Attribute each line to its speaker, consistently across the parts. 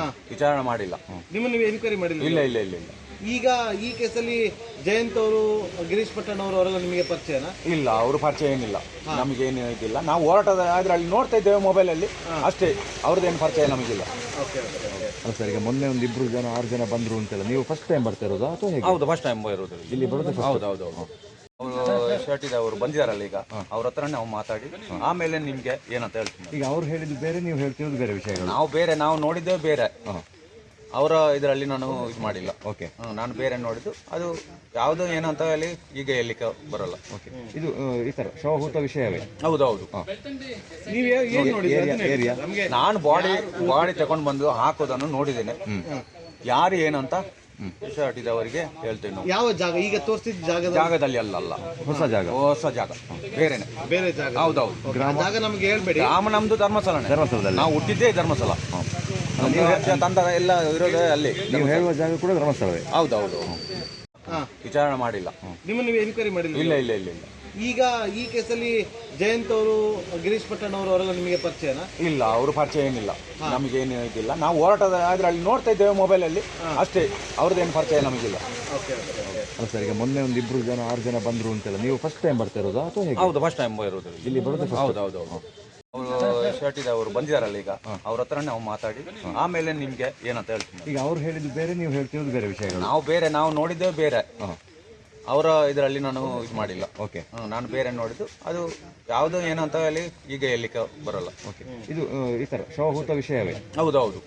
Speaker 1: ವಿಚಾರಣೆ ಮಾಡಿಲ್ಲ.
Speaker 2: ನಿಮ್ಮನ್ನು ನೀವು ಎನ್ಕ್ವೈರಿ ಮಾಡಿಲ್ಲ?
Speaker 1: ಇಲ್ಲ ಇಲ್ಲ ಇಲ್ಲ ಇಲ್ಲ.
Speaker 2: ಈಗ ಈ ಕೇಸಲ್ಲಿ ಜಯಂತ್ ಅವರು, ಗಿರೀಶ್ ಪಟ್ಟಣ್ ಅವರು ಅವರೆಲ್ಲ ನಿಮಗೆ ಪರಿಚಯನಾ?
Speaker 1: ಇಲ್ಲ, ಅವರು ಪರಿಚಯ ಏನಿಲ್ಲ, ನಮಗೇನು ಇದಿಲ್ಲ. ನಾವು ಹೋರಾಟದ ಆದ್ರೆ ಅಲ್ಲಿ ನೋಡ್ತಾ ಇದ್ದೇವೆ ಮೊಬೈಲಲ್ಲಿ ಅಷ್ಟೇ, ಅವ್ರದ್ದೇನು ಪರಿಚಯ ನಮಗಿಲ್ಲ.
Speaker 3: ಅಲ್ಲ ಸರ್, ಈಗ ಮೊನ್ನೆ ಒಂದು 6 ಜನ ಬಂದರು ಅಂತೆಲ್ಲ, ನೀವು ಫಸ್ಟ್ ಟೈಮ್ ಬರ್ತಾ ಇರೋದಾ ಅಥವಾ ಹೇಗೆ?
Speaker 1: ಹೌದು, ಫಸ್ಟ್ ಟೈಮ್ ಇರೋದು
Speaker 3: ಇಲ್ಲಿ ಬರೋದು?
Speaker 1: ಹೌದು ಹೌದು ಹೌದು. ಅವರು ಶರ್ಟ್ ಅವರು ಬಂದಿದಾರಲ್ಲ ಈಗ, ಅವ್ರ ಹತ್ರ ನಾವು ಮಾತಾಡಿ ಆಮೇಲೆ ನಿಮ್ಗೆ ಏನಂತ ಹೇಳ್ತೀನಿ.
Speaker 3: ಈಗ ಅವ್ರು ಹೇಳಿದ್ದು ಬೇರೆ, ನೀವು ಹೇಳ್ತಿರೋದು ಬೇರೆ ವಿಷಯಗಳು.
Speaker 1: ನಾವು ನೋಡಿದ್ದೇವೆ ಬೇರೆ, ಅವರ ಇದರಲ್ಲಿ ನಾನು ಇದು ಮಾಡಿಲ್ಲ.
Speaker 3: ಓಕೆ,
Speaker 1: ನಾನು ಬೇರೆ ನೋಡಿದ್ದು, ಅದು ಯಾವುದು ಏನಂತ ಹೇಳಿ ಈಗ ಹೇಳಲಿಕ್ಕೆ ಬರಲ್ಲ.
Speaker 3: ಓಕೆ, ಇದು ಈ ಥರ ಶವಹೂತ ವಿಷಯವೇ?
Speaker 1: ಹೌದೌದು.
Speaker 3: ಏರಿಯಾ
Speaker 1: ನಾನು ಬಾಡಿ ತಗೊಂಡು ಬಂದು ಹಾಕೋದನ್ನು ನೋಡಿದ್ದೇನೆ. ಯಾರು ಏನಂತ ಶರ್ಟ್ ಇದವರಿಗೆ ಹೇಳ್ತೇನೆ ನಾವು.
Speaker 2: ಯಾವ ಜಾಗ ಈಗ ತೋರಿಸಿದ
Speaker 1: ಜಾಗದಲ್ಲಿ ಅಲ್ಲ,
Speaker 3: ಹೊಸ ಜಾಗ
Speaker 2: ಬೇರೆ ಜಾಗ?
Speaker 1: ಹೌದೌದು.
Speaker 2: ಜಾಗ ನಮಗೆ ಹೇಳ್ಬೇಡಿ.
Speaker 1: ಗ್ರಾಮ ನಮ್ದು ಧರ್ಮಸ್ಥಳದಲ್ಲಿ, ನಾವು ಹುಟ್ಟಿದ್ದೇ ಧರ್ಮಸ್ಥಳ. ತಂದ ಎಲ್ಲ ಇರೋದೇ ಅಲ್ಲಿ.
Speaker 3: ನೀವು ಹೇಳುವ ಜಾಗ ಕೂಡ ಧರ್ಮಸ್ಥಳವೇ?
Speaker 1: ಹೌದೌದು. ವಿಚಾರಣೆ ಮಾಡಿಲ್ಲ.
Speaker 2: ನಿಮ್ಮನ್ನು ನೀವು ಎನ್ಕ್ವೈರಿ ಮಾಡಿಲ್ಲ?
Speaker 1: ಇಲ್ಲ ಇಲ್ಲ ಇಲ್ಲ ಇಲ್ಲ.
Speaker 2: ಈಗ ಈ ಕೇಸಲ್ಲಿ ಜಯಂತ್ ಅವರು, ಗಿರೀಶ್ ಪಟ್ಟಣ್ ಅವರು ಅವರೆಲ್ಲ ನಿಮಗೆ ಪರಿಚಯನಾ?
Speaker 1: ಇಲ್ಲ, ಅವರು ಪರಿಚಯ ಏನಿಲ್ಲ, ನಮಗೇನು ಇದಿಲ್ಲ. ನಾವು ಹೋರಾಟದ ಆದ್ರೆ ಅಲ್ಲಿ ನೋಡ್ತಾ ಇದ್ದೇವೆ ಮೊಬೈಲಲ್ಲಿ ಅಷ್ಟೇ, ಅವ್ರದ್ದೇನು ಪರಿಚಯ ನಮಗಿಲ್ಲ.
Speaker 3: ಅಲ್ಲ ಸರ್, ಈಗ ಮೊನ್ನೆ ಒಂದು 6 ಜನ ಬಂದರು ಅಂತೆಲ್ಲ, ನೀವು ಫಸ್ಟ್ ಟೈಮ್ ಬರ್ತಾ ಇರೋದಾ ಅಥವಾ ಹೇಗೆ?
Speaker 1: ಹೌದು, ಫಸ್ಟ್ ಟೈಮ್ ಇರೋದು
Speaker 3: ಇಲ್ಲಿ ಬರೋದು?
Speaker 1: ಹೌದು ಹೌದು ಹೌದು. ಅವರು ಶರ್ಟ್ ಅವರು ಬಂದಿದಾರಲ್ಲ ಈಗ, ಅವ್ರ ಹತ್ರ ನಾವು ಮಾತಾಡಿ ಆಮೇಲೆ ನಿಮ್ಗೆ ಏನಂತ ಹೇಳ್ತೀನಿ.
Speaker 3: ಈಗ ಅವ್ರು ಹೇಳಿದ್ದು ಬೇರೆ, ನೀವು ಹೇಳ್ತಿರೋದು ಬೇರೆ ವಿಷಯಗಳು.
Speaker 1: ನಾವು ನೋಡಿದ್ದೇವೆ ಬೇರೆ, ಅವರ ಇದರಲ್ಲಿ ನಾನು ಇದು ಮಾಡಿಲ್ಲ.
Speaker 3: ಓಕೆ,
Speaker 1: ನಾನು ಬೇರೆ ನೋಡಿದ್ದು, ಅದು ಯಾವುದು ಏನಂತ ಹೇಳಿ ಈಗ ಹೇಳಲಿಕ್ಕೆ ಬರಲ್ಲ.
Speaker 3: ಓಕೆ, ಇದು ಈ ಥರ ಶವಹೂತ ವಿಷಯವೇ?
Speaker 1: ಹೌದೌದು.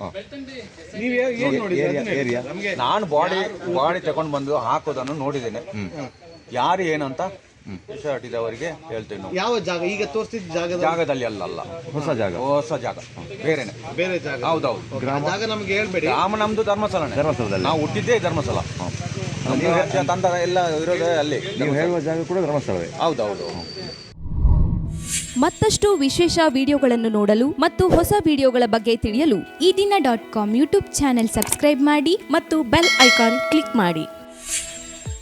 Speaker 3: ಏರಿಯಾ
Speaker 1: ನಾನು ಬಾಡಿ ತಗೊಂಡು ಬಂದು ಹಾಕೋದನ್ನು ನೋಡಿದ್ದೇನೆ. ಯಾರು ಏನಂತ ಶರ್ಟ್ ಇದವರಿಗೆ ಹೇಳ್ತೇವೆ ನಾವು.
Speaker 2: ಯಾವ ಜಾಗ ಈಗ ತೋರಿಸಿದ
Speaker 1: ಜಾಗದಲ್ಲಿ ಅಲ್ಲ,
Speaker 3: ಹೊಸ ಜಾಗ
Speaker 2: ಬೇರೆ ಜಾಗ? ಹೌದೌದು. ಜಾಗ ನಮಗೆ ಹೇಳ್ಬೇಡಿ.
Speaker 1: ಗ್ರಾಮ ನಮ್ದು ಧರ್ಮಸ್ಥಳದಲ್ಲಿ, ನಾವು ಹುಟ್ಟಿದ್ದೇ ಧರ್ಮಸ್ಥಳ. ತಂದ ಎಲ್ಲ ಇರೋದೇ ಅಲ್ಲಿ.
Speaker 3: ನೀವು ಹೇಳುವ ಜಾಗ ಕೂಡ ಧರ್ಮಸ್ಥಳವೇ?
Speaker 1: ಹೌದೌದು.
Speaker 4: ಮತ್ತಷ್ಟು ವಿಶೇಷ ವಿಡಿಯೋಗಳನ್ನು ನೋಡಲು ಮತ್ತು ಹೊಸ ವಿಡಿಯೋಗಳ ಬಗ್ಗೆ ತಿಳಿಯಲು ಈ ದಿನ .com ಯೂಟ್ಯೂಬ್ ಚಾನೆಲ್ ಸಬ್ಸ್ಕ್ರೈಬ್ ಮಾಡಿ ಮತ್ತು ಬೆಲ್ ಐಕಾನ್ ಕ್ಲಿಕ್ ಮಾಡಿ.